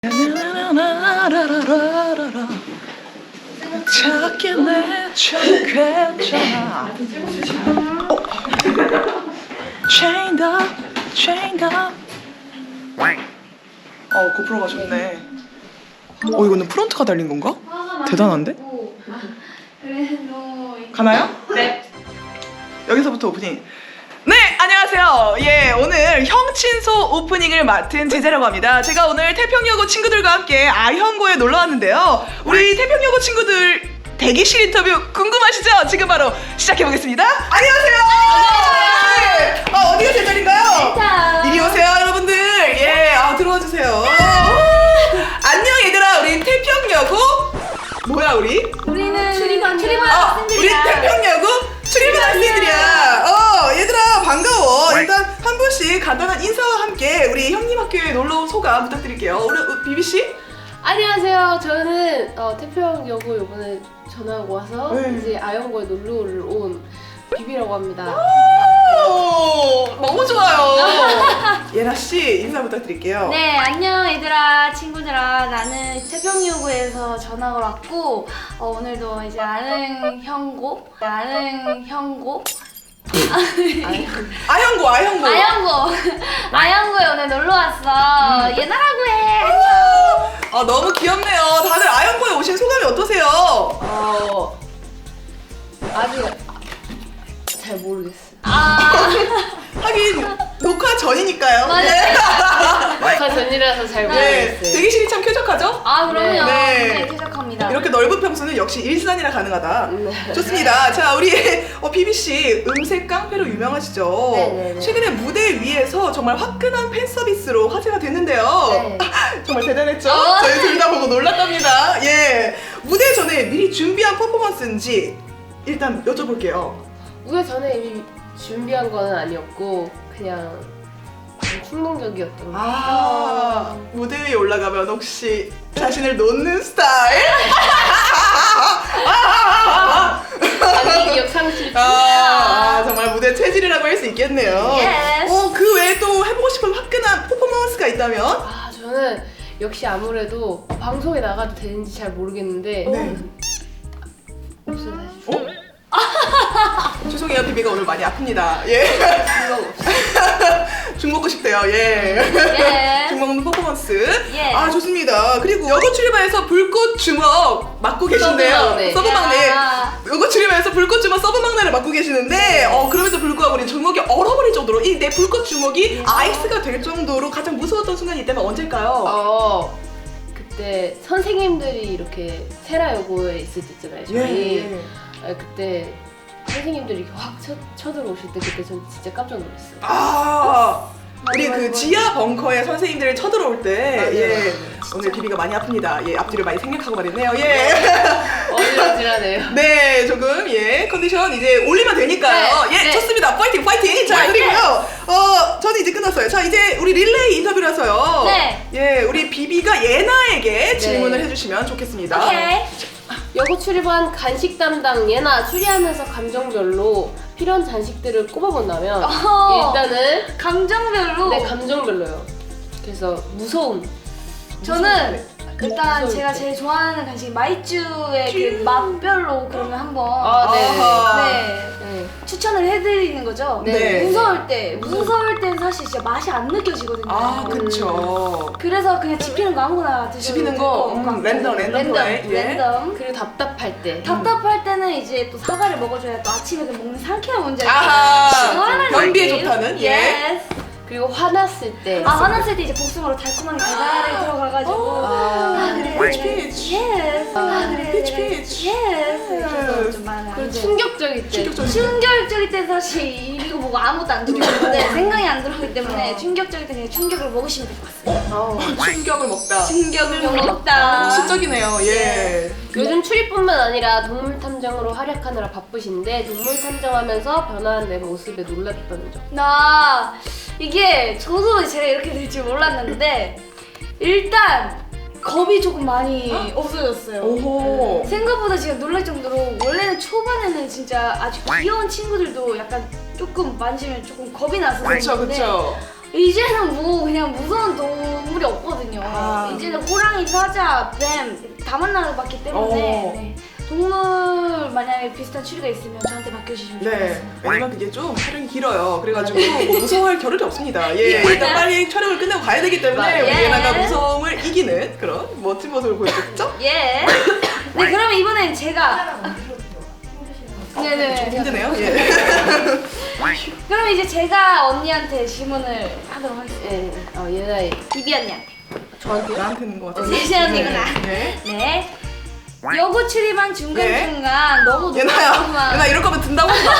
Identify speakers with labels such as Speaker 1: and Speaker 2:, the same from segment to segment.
Speaker 1: 작게 내쳐도 괜찮아. Chained up, chained up. 고프로가 좋네. 이거는 프론트가 달린 건가? 대단한데? 가나요?
Speaker 2: 네.
Speaker 1: 여기서부터 오프닝. 네, 안녕하세요. 예, 오늘 형친소 오프닝을 맡은 제자라고 합니다. 제가 오늘 태평여고 친구들과 함께 아현고에 놀러 왔는데요. 우리 태평여고 친구들 대기실 인터뷰 궁금하시죠? 지금 바로 시작해 보겠습니다. 안녕하세요. 네. 어디가 제자리인가요? 이리 오세요, 여러분들. 예, 들어와 주세요. 안녕 얘들아, 우리 태평여고 뭐야 우리?
Speaker 2: 우리는 출입한
Speaker 1: 우리
Speaker 2: 학생들이야.
Speaker 1: 태평여고 출입한 학생들이야. 얘들아 반가워. 일단 한 분씩 간단한 인사와 함께 우리 형님 학교에 놀러 온 소감 부탁드릴게요. 우리 비비 씨?
Speaker 2: 안녕하세요. 저는 태평여고 이번에 전화하고 와서
Speaker 1: 네.
Speaker 2: 이제 아현고에 놀러를 온 비비라고 합니다.
Speaker 1: 너무 좋아요. 예나 씨 인사 부탁드릴게요.
Speaker 3: 네, 안녕 얘들아, 친구들아. 나는 태평여고에서 전학을 왔고 오늘도 이제 아현고에 오늘 놀러 왔어. 얘나라고 해. 안녕.
Speaker 1: 너무 귀엽네요. 다들 아현고에 오신 소감이 어떠세요?
Speaker 2: 아직 잘 모르겠어요.
Speaker 1: 하긴 녹화 전이니까요.
Speaker 3: 맞아요.
Speaker 2: 녹화 전이라서 잘
Speaker 1: 네,
Speaker 2: 모르겠어요.
Speaker 1: 대기실이 참 쾌적하죠?
Speaker 3: 그럼요.
Speaker 1: 네.
Speaker 3: 네, 쾌적합니다.
Speaker 1: 이렇게 넓은 평수는 역시 일산이라 가능하다.
Speaker 2: 네.
Speaker 1: 좋습니다. 자, 우리 비비 씨 음색 깡패로 유명하시죠?
Speaker 2: 네네네.
Speaker 1: 최근에 무대 위에서 정말 화끈한 팬 서비스로 화제가 됐는데요.
Speaker 2: 네.
Speaker 1: 정말 대단했죠? 저희 둘 다 보고 놀랐답니다. 예, 무대 전에 미리 준비한 퍼포먼스인지 일단 여쭤볼게요.
Speaker 2: 무대 전에 이미 준비한 건 아니었고 그냥 충동적이었던 거.
Speaker 1: 무대 위에 올라가면 혹시 자신을 놓는 스타일?
Speaker 2: 자기 기억 상실.
Speaker 1: 정말 무대 체질이라고 할 수 있겠네요.
Speaker 3: Yes.
Speaker 1: 그 외에 또 해보고 싶은 화끈한 퍼포먼스가 있다면?
Speaker 2: 저는 역시 아무래도 방송에 나가도 되는지 잘 모르겠는데
Speaker 1: 네.
Speaker 2: 없어 사실.
Speaker 1: 죄송해요, 비비가 오늘 많이 아픕니다. 예.
Speaker 2: 생각 없어.
Speaker 1: 죽 먹고 싶대요. 예.
Speaker 3: 예.
Speaker 1: 죽 먹는 퍼포먼스.
Speaker 3: 예.
Speaker 1: 좋습니다. 그리고 여고 출입반에서 불꽃 주먹 맡고 계신데요.
Speaker 2: 서브막내.
Speaker 1: 서브 막내.
Speaker 3: 야.
Speaker 1: 여고 출입반에서 불꽃 주먹 서브 막내를 맡고 계시는데 그럼에도 불구하고 우리 주먹이 얼어버릴 정도로 이 내 불꽃 주먹이 아이스가 될 정도로 가장 무서웠던 순간이 있다면 언제일까요?
Speaker 2: 그때 선생님들이 이렇게 세라여고에 있을 때 있잖아요. 저희. 그때 선생님들이 이렇게 확 쳐들어오실 때 그때 전 진짜 깜짝 놀랐어요.
Speaker 1: 우리 그 지하 벙커에 선생님들이 쳐들어올 때
Speaker 2: 맞아요.
Speaker 1: 오늘 비비가 많이 아픕니다. 예, 앞뒤를 많이 생략하고 말했네요. 예.
Speaker 2: 어지러지하네요.
Speaker 1: 네, 조금 컨디션 이제 올리면 되니까요.
Speaker 2: 네,
Speaker 1: 예,
Speaker 2: 네.
Speaker 1: 좋습니다. 파이팅, 파이팅. 자,
Speaker 3: 파이팅!
Speaker 1: 그리고요. 저는 이제 끝났어요. 자, 이제 우리 릴레이 인터뷰라서요.
Speaker 3: 네.
Speaker 1: 예, 우리 비비가 예나에게 질문을 해주시면 좋겠습니다.
Speaker 3: 오케이.
Speaker 2: 여고 출입한 간식 담당 예나 추리하면서 감정별로 필요한 간식들을 꼽아본다면 일단은
Speaker 3: 감정별로.
Speaker 2: 네 감정별로요. 그래서 무서움.
Speaker 3: 저는 일단
Speaker 2: 무서울
Speaker 3: 제가
Speaker 2: 때.
Speaker 3: 제일 좋아하는 간식이 마이쮸의 그 맛별로 그러면 한번
Speaker 2: 네.
Speaker 1: 아하.
Speaker 2: 네.
Speaker 3: 추천을 해드리는 거죠.
Speaker 1: 네.
Speaker 3: 무서울 때는 사실 진짜 맛이 안 느껴지거든요.
Speaker 1: 그쵸.
Speaker 3: 그래서 그냥 집히는 거 아무거나 드셔도
Speaker 1: 집히는
Speaker 3: 될
Speaker 1: 거,
Speaker 3: 것 같고.
Speaker 1: 랜덤 플레이. 예.
Speaker 3: 랜덤.
Speaker 2: 그리고 답답할 때.
Speaker 3: 답답할 때는 이제 또 사과를 먹어줘야 또 아침에 그 먹는 상쾌한 문제가
Speaker 1: 아하.
Speaker 3: 시원한
Speaker 1: 변비에
Speaker 3: 느낌.
Speaker 1: 좋다는? 예.
Speaker 3: Yes.
Speaker 2: 그리고 화났을 때.
Speaker 3: 화났을 때 이제 복숭아로 달콤하게 달달하게 들어가가지고 그래.
Speaker 1: 피치, 피치.
Speaker 3: Yes. 그래.
Speaker 1: 피치, 피치.
Speaker 3: Yes. 그래서 좀 많이
Speaker 2: 그리고
Speaker 3: 안 돼.
Speaker 2: 충격적일 때.
Speaker 3: 충격적일 때 사실 이거 보고 아무것도 안 들어오는데 생각이 안 들어오기 때문에 충격적일 때 그냥 충격을 먹으시면 될 것 같습니다.
Speaker 1: 충격을 먹다.
Speaker 3: 충격을 먹다.
Speaker 1: 시적이네요. 예.
Speaker 2: 요즘 출입뿐만 아니라 동물 탐정으로 활약하느라 바쁘신데 동물 탐정하면서 변화한 내 모습에 놀랐다는 점.
Speaker 3: 나 이게 저도 제가 이렇게 될 줄 몰랐는데 일단 겁이 조금 많이 없어졌어요.
Speaker 1: 오호.
Speaker 3: 생각보다 제가 놀랄 정도로 원래는 초반에는 진짜 아주 귀여운 친구들도 약간 조금 만지면 조금 겁이 나서
Speaker 1: 그쵸,
Speaker 3: 그랬는데
Speaker 1: 그쵸.
Speaker 3: 이제는 뭐 그냥 무서운 동물이 없거든요.
Speaker 1: 아.
Speaker 3: 이제는 호랑이, 사자, 뱀 다 만나봤기 때문에 네. 동물 만약에 비슷한 추리가 있으면 저한테 맡겨주시면
Speaker 1: 네,
Speaker 3: 좋겠습니다.
Speaker 1: 왜냐면 그게 좀 촬영이 길어요. 그래가지고 뭐 무서워할 겨를이 없습니다. 예, 일단 빨리 촬영을 끝내고 가야 되기 때문에 우리
Speaker 3: 예.
Speaker 1: 예나가 무서움을 이기는 그런 멋진 모습을 보여줬죠?
Speaker 3: 예. 네, 그러면 이번엔 제가 네네.
Speaker 1: 좀 힘드네요. 예.
Speaker 3: 그럼 이제 제가 언니한테 질문을 하도록 하겠습니다.
Speaker 2: 예, 예나이
Speaker 3: 비비 언니한테.
Speaker 2: 저한테요?
Speaker 1: 나한테는 것 같은데.
Speaker 3: 제시 언니구나.
Speaker 1: 네.
Speaker 3: 네. 여고 출입한 중간중간 너무
Speaker 1: 예나야,
Speaker 3: 놀랐구만.
Speaker 1: 예나 이럴 거면 든다고 하지 마.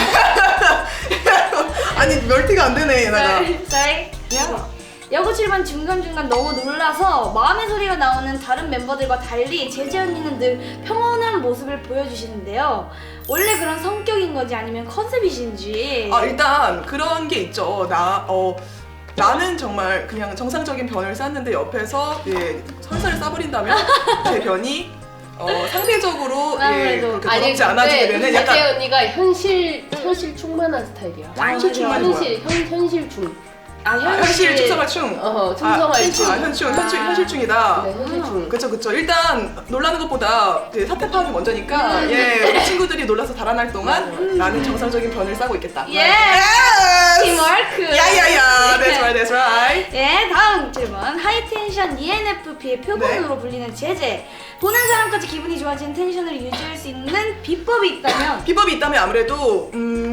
Speaker 1: 아니 멀티가 안 되네 예나가.
Speaker 3: sorry.
Speaker 1: 야.
Speaker 3: 여고 출입한 중간중간 너무 놀라서 마음의 소리가 나오는 다른 멤버들과 달리 제재 언니는 늘 평온한 모습을 보여주시는데요. 원래 그런 성격인 건지 아니면 컨셉이신지.
Speaker 1: 아 일단 그런 게 있죠. 나는 정말 그냥 정상적인 변을 쌌는데 옆에서 예, 설사를 싸버린다면 제 변이 상대적으로 예,
Speaker 3: 아무래도.
Speaker 1: 그렇게 더럽지 않아지게 되는
Speaker 2: 제재
Speaker 1: 약간
Speaker 2: 언니가 현실 충만한 스타일이야.
Speaker 1: 현실 충만이 뭐야?
Speaker 2: 현실 충.
Speaker 1: 현실 충성할 충.
Speaker 2: 충성할 충.
Speaker 1: 현실충이다.
Speaker 2: 네, 현실 충.
Speaker 1: 그쵸. 일단 놀라는 것보다 그 사태 파악이 먼저니까 예, 우리 친구들이 놀라서 달아날 동안 나는 정상적인 변을 싸고 있겠다.
Speaker 3: 예.
Speaker 1: Yes!
Speaker 3: 팀워크.
Speaker 1: 야야야. That's right.
Speaker 3: 예, 다음 질문. 하이텐션 ENFP의 표본으로
Speaker 1: 네.
Speaker 3: 불리는 제재. 보는 사람까지 기분이 좋아지는 텐션을 유지할 수 있는 비법이 있다면?
Speaker 1: 비법이 있다면 아무래도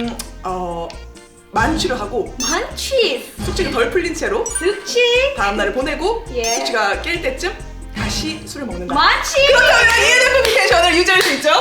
Speaker 1: 만취를 하고
Speaker 3: 만취,
Speaker 1: 숙취가 덜 풀린 채로
Speaker 3: 득취,
Speaker 1: 다음 날을 보내고
Speaker 3: 예.
Speaker 1: 숙취가 깰 때쯤 다시 술을 먹는다.
Speaker 3: 만취.
Speaker 1: 그렇다면 ENFP 텐션을 유지할 수 있죠?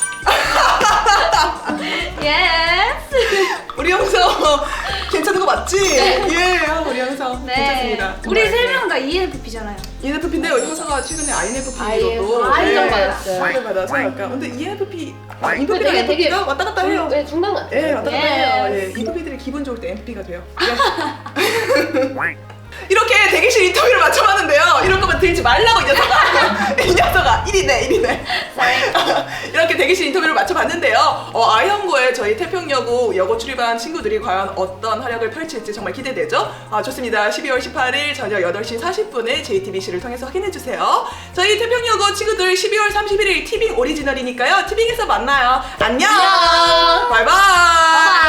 Speaker 3: 예스.
Speaker 1: 우리 형서 괜찮은 거 맞지? 예, 우리 형서 괜찮습니다.
Speaker 3: 우리 세 명 다 ENFP잖아요.
Speaker 1: ENFP인데요. 형서가 최근에 INFP로도
Speaker 2: 인정받았어요.
Speaker 1: 인정받아서 약간 근데 ENFP,
Speaker 2: 근데
Speaker 1: 인프피랑
Speaker 2: 되게
Speaker 1: ENFP가 왔다 갔다 해요.
Speaker 2: 네, 중간 같아요.
Speaker 1: 예, 왔다 갔다
Speaker 3: 예.
Speaker 1: 해요. 예, 인프피들이 기분 좋을 때 ENFP가 돼요. 예. 이렇게 대기실 인터뷰를 맞춰봤는데요. 이런 거면 들지 말라고 이 녀석아. 이 녀석아. 1위네. 이렇게 대기실 인터뷰를 맞춰봤는데요. 아이언고에 저희 태평여고 여고 출입한 친구들이 과연 어떤 활약을 펼칠지 정말 기대되죠? 좋습니다. 12월 18일 저녁 8시 40분에 JTBC를 통해서 확인해주세요. 저희 태평여고 친구들 12월 31일 티빙 오리지널이니까요. 티빙에서 만나요. 안녕. 바이바이.